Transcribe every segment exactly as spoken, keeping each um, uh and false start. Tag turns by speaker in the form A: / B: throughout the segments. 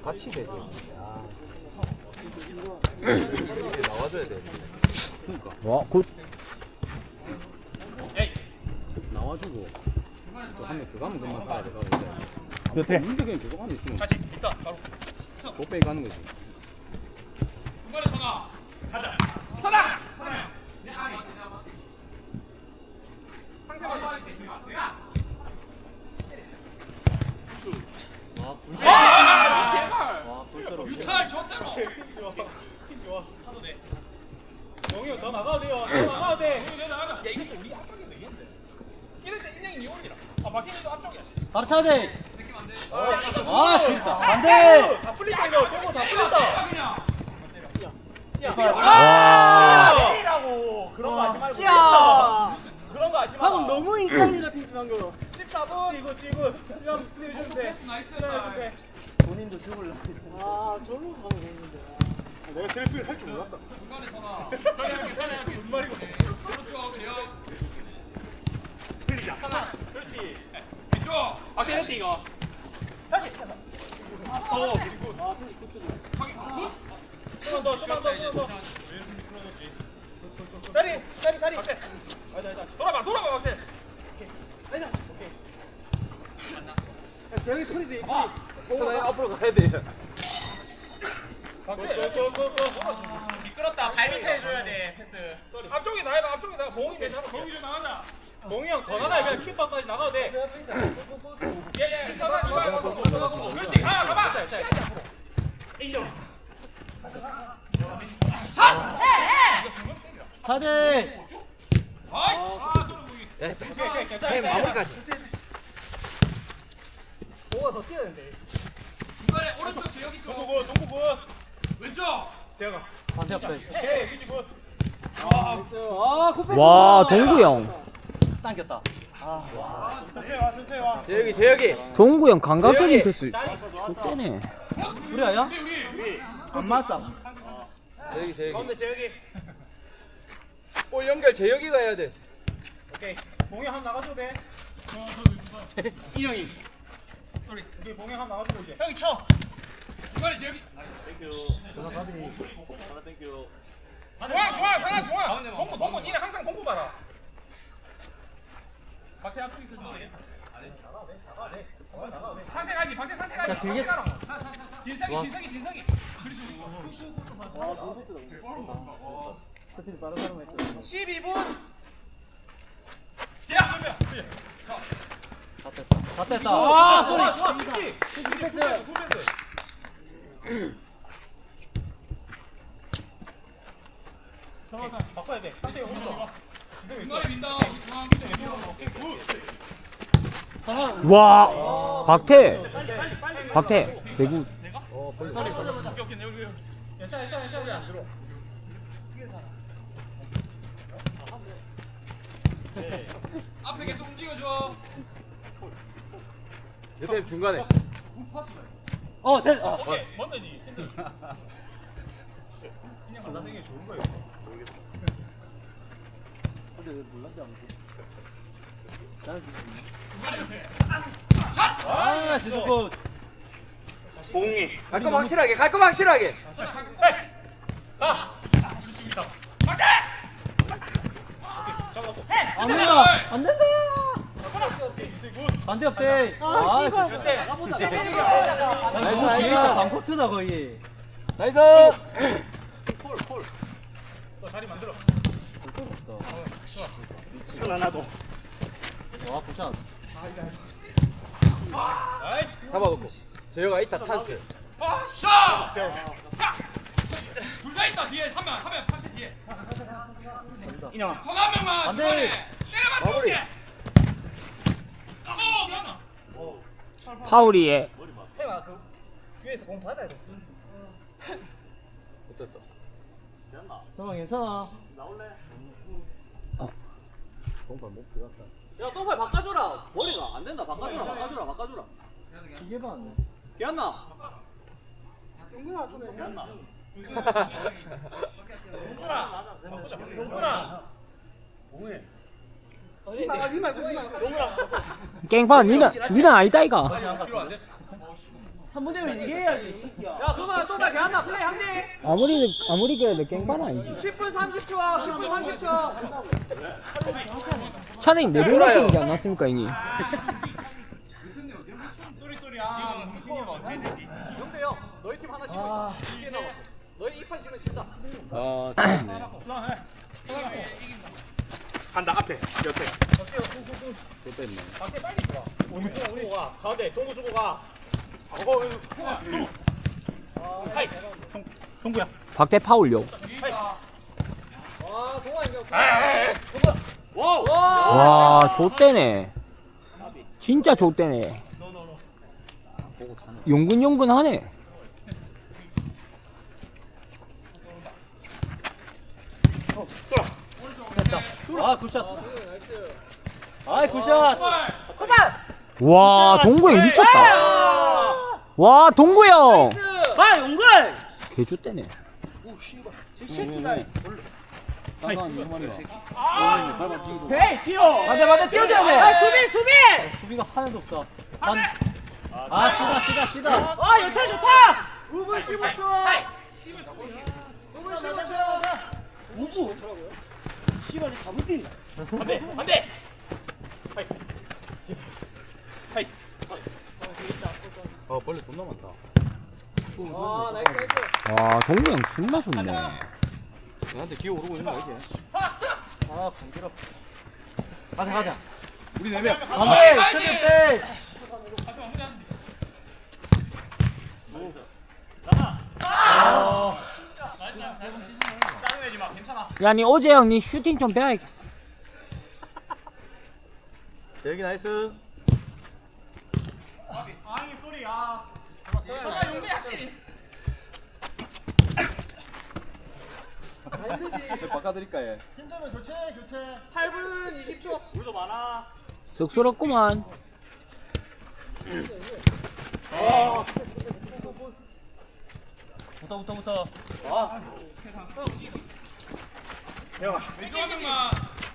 A: 같이 되지. 이렇게 나와줘야 돼.
B: 그러니까
C: 와, 굿.
B: 나와주고 또 한 명 들어가면 금방 가야 돼. 가는데
C: 여태.
B: 민규는 계속 안에 있으면
D: 다시 있다 바로
B: 못 빼기 가는 거지.
D: 중간에 전화 가자 전화 아 제발 유탈 저대로 좋아 차도 돼 영희 형더 나가도 돼요 더 나가도 돼 야 이것도 우리 앞쪽인데 이건데 이럴 때 인형이 니온이라 아 박희민도 앞쪽이야
C: 바로 차야 돼.
D: 아
C: 진짜. 반대.
D: 다 풀린다 이거 저거 다 풀린다
C: 와.
D: 때리라고 그런 거 하지 말고 야 그런 거 하지 마
E: 방금 너무 인싸인 같은 방금.
D: 십사 분 이거 지금 그냥 수비 해주면 돼 나이스
E: 본인도 죽을라. 아, 저로 가면 되는데.
D: 내가 트래픽을 할 줄 몰랐다 중간에 전화 사냥하게 사냥하게 무슨 말이고 오른쪽 대형 틀리자 하나 그렇지 왼쪽 아 때렸대 이거 다시 어 그리고 아 저기 굿 좀만 더 좀만 더 좀만 더 자리 자리 자리 박대 아니다 아니다 돌아봐 돌아봐 박대 아니다 오케이
E: 저기 풀이 돼.
D: 아
A: 앞으로 가야 돼.
D: 미끄럽다. 발 밑에 해줘야 돼 패스. 앞쪽에 나가 앞쪽에 나가. 봉이 내 잡아. 봉이 좀 나가자. 봉이 형 더 나가야 그냥 킥박까지 나가도 돼. 예예. 사단 이거 이거. 그렇지. 가 가봐. 인정. 샷. 해 해.
C: 차야 돼.
D: 아이. 아 소리 보기.
A: 해 마무리까지.
E: 뭐가 더 뛰어야 되는데.
D: 중간에 오른쪽 재혁이 쪽. 동구 군, 동구 군. 왼쪽. 재혁아.
C: 반대 없다.
D: 오케이, 위치 군.
E: 아, 코페.
C: 와, 동구 형.
E: 당겼다.
D: 천천히 와, 천천히 와.
A: 재혁이 재혁이.
C: 동구 형 감각적인 패스. 좋네.
E: 우리 아야?
D: 우리 우리.
E: 안 맞다.
A: 재혁이 재혁이.
D: 가운데 재혁이.
A: 볼 연결 재혁이가 해야 돼.
D: 오케이. 봉이 한 나가줘도 돼.
E: 이형이.
D: 우리 우리 봉이 한 나가주고 이제. 형이 쳐. 중간에 재혁이. 좋아 좋아 사나 좋아 공부 공부 니네 항상 공부 봐라 박태 앞쪽이 있었는데 상태 가지 박태 상태 가지
C: 자, 길게.
D: 진석이 진석이 진석이 십이 분 제압 한명
C: 다 뺐다.
D: 아 소리 좋아 굿지 굿패스 굿패스 정확한 바꿔야 돼 상태 오른쪽 중간에 민다 중앙 오케이 굿
C: 와. 박태. 박태. 대구.
A: 어 벌써.
D: 오케이 오케이 여기 괜찮아 괜찮아 괜찮아 안 들어 앞에 계속 움직여줘
A: 옆에 중간에.
C: 어, 됐. 어.
D: 오케이 뭔데니 그냥 받아들이기 좋은 거예요
E: 아, 지금
D: 봉이
A: 갈 거면 확실하게. 갈 거면 확실하게.
D: 가 좋습니다 박대 잡아놓고
E: 안 된다. 안 된다. 반대 없대. 아,
D: 몇 대?
E: 나이스, 나이스. 방코트다 거의.
C: 나이스.
D: 폴폴 너 자리 만들어
E: 와, 굿샷.
D: 나이스
A: 잡아놓고. 재혁아 이따 찬스.
D: 아싸 둘 다 있다 뒤에 한명 한 명 판테 뒤에
E: 인형.
D: 손 한 명만
E: 안 돼.
D: 중간에 때려만
A: 마무리.
D: 줄게 어 미안하
C: 파울이에.
E: 해봐. 그 위에서 공 받아야 돼.
A: 어땠다.
E: 정말 괜찮아.
A: 공판 못 들어갔다.
B: 야, 똥발 바꿔줘라. 머리가 안 된다. 바꿔줘라. 바꿔줘라. 바꿔줘라.
E: 이게 봤네.
B: 기안나.
D: 용구나 바꾸자 용구나
C: 깽판 니는 니는 아니다 이가.
D: 필요 안 됐어
E: 한 번 되면 이게 해야지.
A: 야 동아 동아 걔한나 플레이 한대.
C: 아무리 아무리 그래도 깽판 아니지.
A: 십 분 삼십 초. 십 분 삼십 초.
C: 차라리 내려놓는 게 안 낫습니까 형님?
A: 영대요. 너희 팀 하나씩. 아. 너희 이판 지면 진다.
B: 아 잘했네.
D: 간다 앞에 옆에.
B: 또 뺐네.
A: 밖에 빨리 들어.
D: 우리 주고 가. 가운데 동구 주고 가. 어, 하이. 동구야.
C: 박대 파울요.
A: 와 동아 이거.
D: 와우.
C: 와 좆대네. 진짜 좆대네. 용근용근하네.
E: 아 굿샷. 아이 굿샷.
C: 와 동구 형 미쳤다. 와 동구 형.
E: 아 용걸.
C: 개좆대네.
B: 따가운 이 말이야.
E: 헤이 뛰어.
A: 맞아 맞아 뛰어줘야 돼.
E: 아 수비 수비. 수비가 하나도 없다. 반. 아 쓰다 쓰다 쓰다. 아 좋다 좋다. 오 분 십오 초. 오 분. 시간이 다 붙인다.
D: 안돼 안돼. 하이. 하이.
B: 아 벌레 존나 많다.
A: 아 나이스 나이스.
C: 와 동구 형 존나 좋네.
B: 나한테 기어 오르고 있는 거 알지?
E: 아 간지럽.
A: 가자 가자.
B: 우리 네 명.
E: 안돼 세대 때.
D: 짜증내지 마. 괜찮아.
C: 야니 어제 형 니 슈팅 좀 배워야겠어.
B: 여기 나이스.
D: 아이 소리야. 아 용대 확실히.
B: 바꿔드릴까 얘.
E: 힘들면 교체 교체.
A: 팔 분 이십 초.
D: 우리도 많아.
C: 쑥스럽구만.
E: 붙어 붙어 붙어. 아.
D: 왼쪽 한 명만.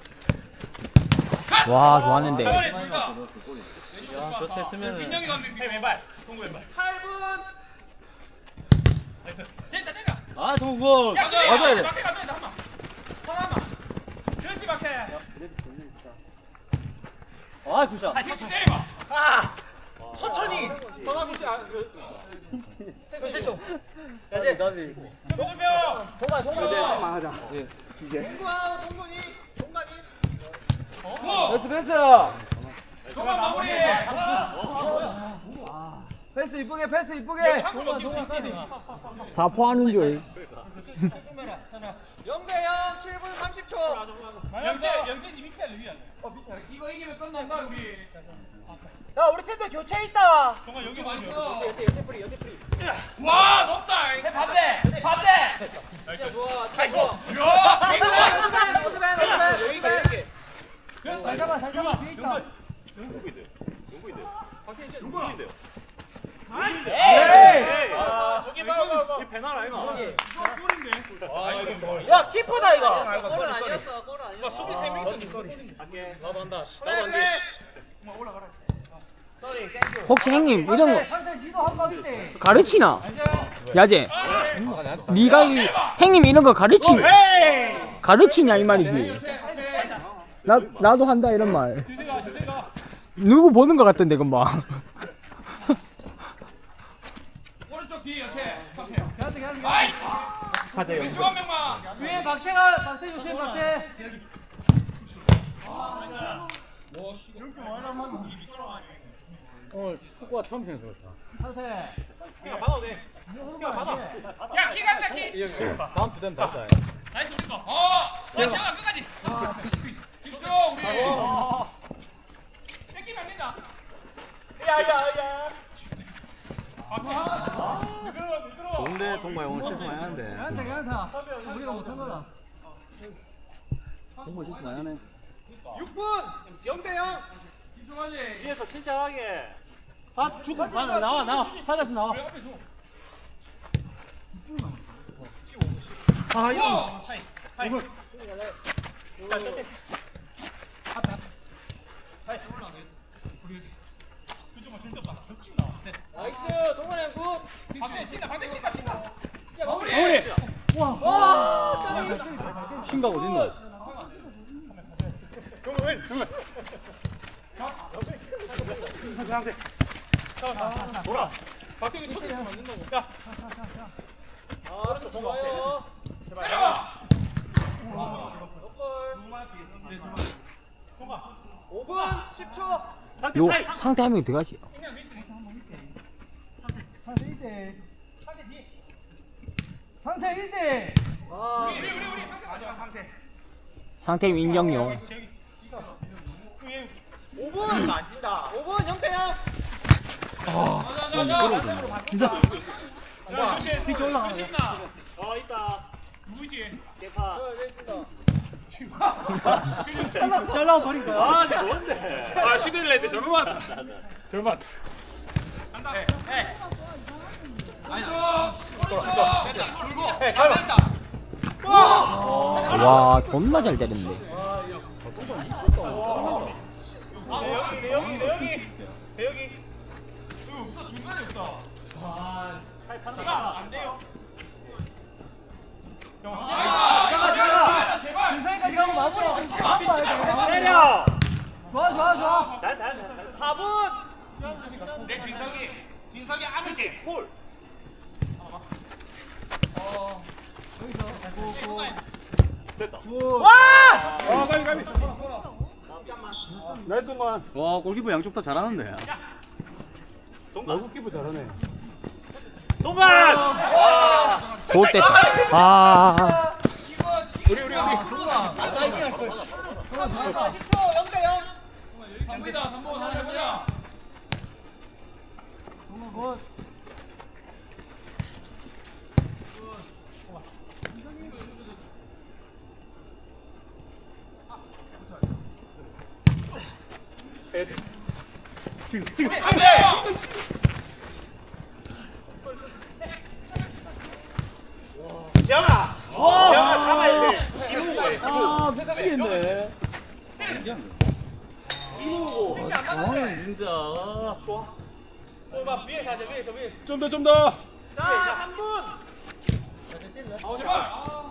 C: 와 좋았는데.
D: 둘 다.
E: 야 교체했으면.
D: 민영이 가면 왼발. 동구 왼발. 팔 분. 나이스. 됐다 됐다.
E: 아 동구.
D: 맞아야 돼. 맞게 맞아야 돼 한 번. 하나만. 그렇지 맞게.
E: 아 굿샷.
D: 아 천천히 때려봐. 아. 천천히.
A: 전화 붙지 아 그.
E: 교체 좀. 나지 나지.
D: 동구병.
E: 동아 동아.
B: 하자. 예.
A: 동구아 동gun이 동간이.
D: 고.
A: 패스 패스.
D: 동안 마무리.
A: 패스 이쁘게 패스 이쁘게.
D: 동안 동안.
C: 사포하는 줄.
A: 영대형 칠 분 삼십 초.
D: 영재 영재 니 밑에 누구야? 어 밑에. 이거 이기면 끝난다 우리.
E: 야 우리 팀도 교체 있다.
D: 동안 여기 많이
A: 연대 연대 프리 연대 프리.
D: 와 높다. 반대 반대.
A: 진짜 좋아 잘 좋아.
D: 야 빅맨.
A: 여기가 이렇게.
E: 잘 잡아 잘 잡아. 뒤에 있다.
D: 에이. 여기 봐 봐. 이 배날 아이가.
E: 야 키퍼다 이거.
A: 골은 아니었어 골은 아니었어.
D: 수비 세 명 있어.
E: 나도 한다. 나도 한다.
C: 혹시 형님 이런 거 가르치나? 야제. 네가 이, 형님 이런 거 가르치 가르치냐 이 말이지. 나 나도 한다 이런 말. 누구 보는 거 같던데 금방.
D: 오른쪽 뒤에 이렇게. 아이스. 가자 왼쪽 한 명만.
E: 위에 박태가 박태 조심 박태.
B: 오늘 축구가 처음 생겨서 그렇다.
D: 이거 받아도 돼. 이거 받아. 야 키가 있다 키.
B: 다음 주 되면 받자.
D: 나이스 우리 거. 어. 원시영아 끝까지. 집중 우리. 뺏기면 안 된다. 야야야.
B: 좋은데 동마이 오늘 실수 많이 하는데.
E: 괜찮다. 우리가 못한 거다.
B: 동마 실수 많이 하네.
A: 육 분 영대형.
D: 집중하지.
E: 위에서 침착하게. 아 죽어. 나와 나와 나와. 받아서 나와.
D: 아 이거. 하이. 하이.
A: 나이스 동근이 형 굿.
D: 마무리.
B: 신각 어딨노?
D: 돌아. 박경이 첫 있으면 안 된다고. 야.
A: 아, 좋아요. 오 분 십 초.
C: 요 상태 한 명 들어가지.
E: 상태 일 대. 상태 일 대.
A: 아,
C: 상태 인정용.
A: 오 분 안 진다. 오 분 영태형.
E: 피치 올라가.
D: 어 있다. 누구지? 개파.
E: 잘라고 버린 거야.
D: 아, 내 뭔데? 아, 슈드를 했는데 잘못 맞다. 잘못 맞다.
C: 와 존나 잘 때렸는데.
D: 여기, 내 여기, 내 여기, 내 여기. 없어, 중간에 없다. 아, 안 돼요.
E: 준상이까지 가고 마무리.
D: 때려.
E: 좋아 좋아 좋아.
A: 사 분.
D: 내 진석이, 진석이 안을게. 볼. 됐다.
A: 와!
D: 아, 가비, 가비. 나이스 만.
B: 와 골키퍼 양쪽 다 잘하는데.
D: 너무 키프 잘하네. 동반.
C: 좋댔다. 아.
D: 우리 우리 우리.
A: 사십 초 영태형.
D: 삼분이다. 삼분 하나 해보자. 지금 지금 안돼.
A: 재영아. 재영아 잡아야 돼. 이루고.
E: 아 미치겠네.
A: 이루고.
E: 아 진짜.
A: 좋아. 막 위에서 하자. 위에서 위에서.
D: 좀 더 좀 더.
A: 자, 삼 분.
D: 아 제발.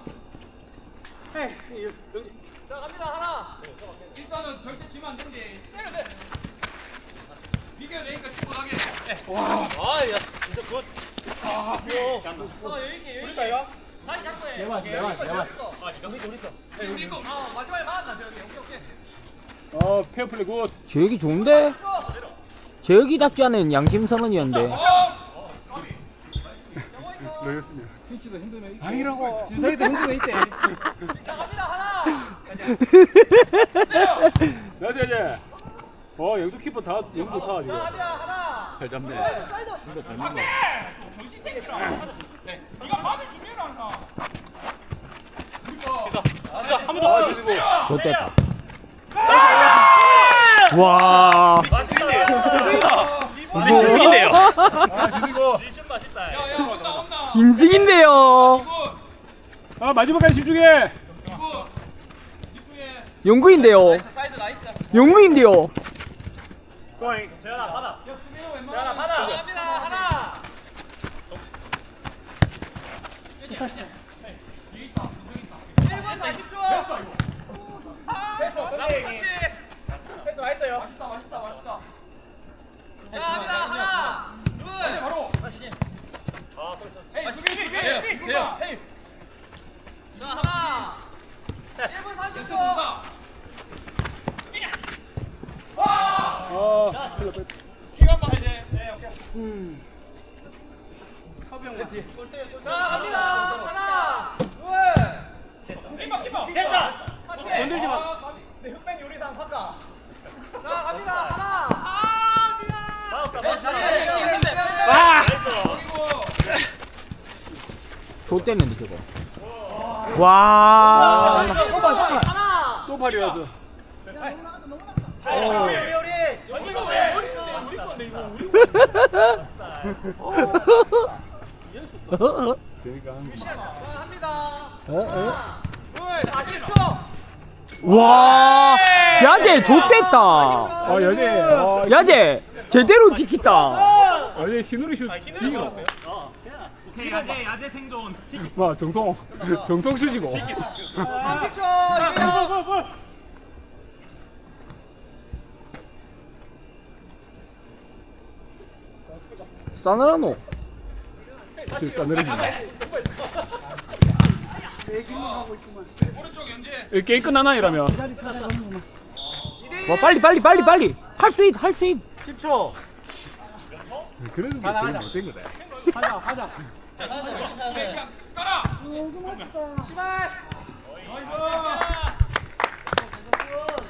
A: 자, 갑니다. 하나.
D: 일단은 절대 지면 안 된대. 때려 돼. 비교야 되니까 충분하게.
A: 아, 야, 진짜 굿.
D: 아,
A: 아, 여기 있네. 여기 있다.
D: 자리 잡고 해.
E: 내만 내만 내만.
D: 우리 거. 아, 마지막에 맞았나 저기. 오케이 오케이.
B: 어 페어플레이 굿.
C: 재혁이 좋은데? 재혁이답지 않은 양심 선언이었는데.
B: 너였으면.
E: 피치도 힘들면 있고.
B: 아니라고.
E: 준상이도 힘들면 있대.
A: 자, 갑니다. 하나.
D: 나이스 이제. 어, 영수 키퍼 다 영수 좋다
A: 자,
D: 지금.
A: 갑니다. 하나.
B: 잘 잡네.
A: 사이드.
B: 이거 잘 먹어.
D: 정신 챙겨라. 네가 받을 준비를 안 하.
A: 한번 더.
C: 좋댔다. 와.
A: 근데 진승인데요.
D: 아, 지수고.
A: 진심 맛있다.
D: 야야, 온다 온다.
C: 진승인데요.
D: 아, 마지막까지 집중해.
C: 영구인데요.
A: 사이드 나이스.
C: 영구인데요.
D: 고잉.
A: 재현아 받아. 재현아 받아. 갑니다. 하나. 일 분 사십 초.
D: 됐어.
A: 그렇지.
D: 됐어, 맛있어요. 맛있다, 맛있다, 맛있다.
A: 자, 갑니다. 하나. 둘.
D: 바로. 에이, 수비, 수비, 수비. 재영, 헤이.
A: 자, 하나. 일 분 삼십 초.
D: 어.
A: 기가 막혀야 돼. 네, 오케이. 자, 갑니다. 하나. 둘.
D: 키퍼, 키퍼.
A: 됐다.
D: 건들지 마.
A: 내 흑백 요리상 바꿔. 자, 갑니다. 하나. 아, 미안. 맞다,
D: 아!
C: 좋댔는데 저거. 와.
A: 하나.
D: 또 발이라서.
A: 우리 우리 우리.
D: 이거 왜? 우리 건데 이거 우리.
B: 그러니까.
A: 자, 합니다.
C: 어, 어?
A: 둘, 사십 초.
C: 와. 야재 좋댔다.
D: 아, 여기. 어,
C: 야재 제대로 지켰다.
D: 아니 흰우리 슛 지기로.
A: 오케이 야제 야제 생존.
D: 와 정통 정통 슛이고.
C: 싸늘하노.
D: 지금 싸늘해지네. 이 게임 끝나나 이러면.
C: 와 빨리 빨리 빨리 빨리 할 수 있 할 수 있.
E: 십 초.
D: 그래도 게 제일 못된 거다.
E: 하자 하자.
D: 아,